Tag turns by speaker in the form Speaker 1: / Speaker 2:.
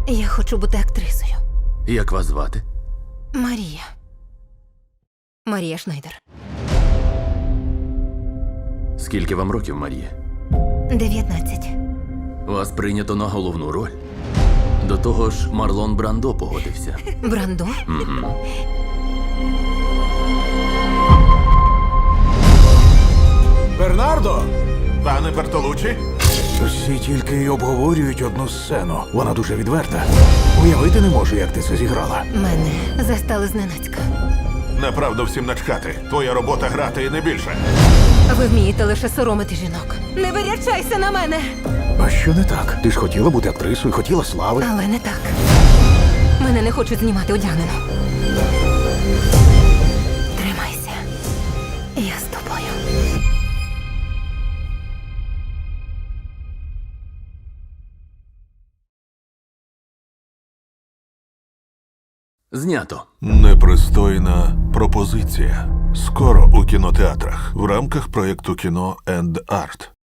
Speaker 1: Я хочу бути актрисою.
Speaker 2: Як вас звати?
Speaker 1: Марія. Марія Шнайдер.
Speaker 2: Скільки вам років, Марія?
Speaker 1: 19.
Speaker 2: Вас прийнято на головну роль. До того ж, Марлон Брандо погодився.
Speaker 1: Брандо?
Speaker 3: Бернардо!
Speaker 4: Пане Бертолуччі?
Speaker 3: Всі тільки й обговорюють одну сцену. Вона дуже відверта. Уявити не можу, як ти це зіграла.
Speaker 1: Мене застали зненацька.
Speaker 4: Направду всім начхати. Твоя робота грати і не більше.
Speaker 1: Ви вмієте лише соромити жінок. Не вирячайся на мене!
Speaker 3: А що не так? Ти ж хотіла бути актрисою, хотіла слави.
Speaker 1: Але не так. Мене не хочуть знімати одягнено. Тримайся. Я з тобою.
Speaker 2: Знято.
Speaker 4: Непристойна пропозиція. Скоро у кінотеатрах в рамках проєкту кіно енд арт.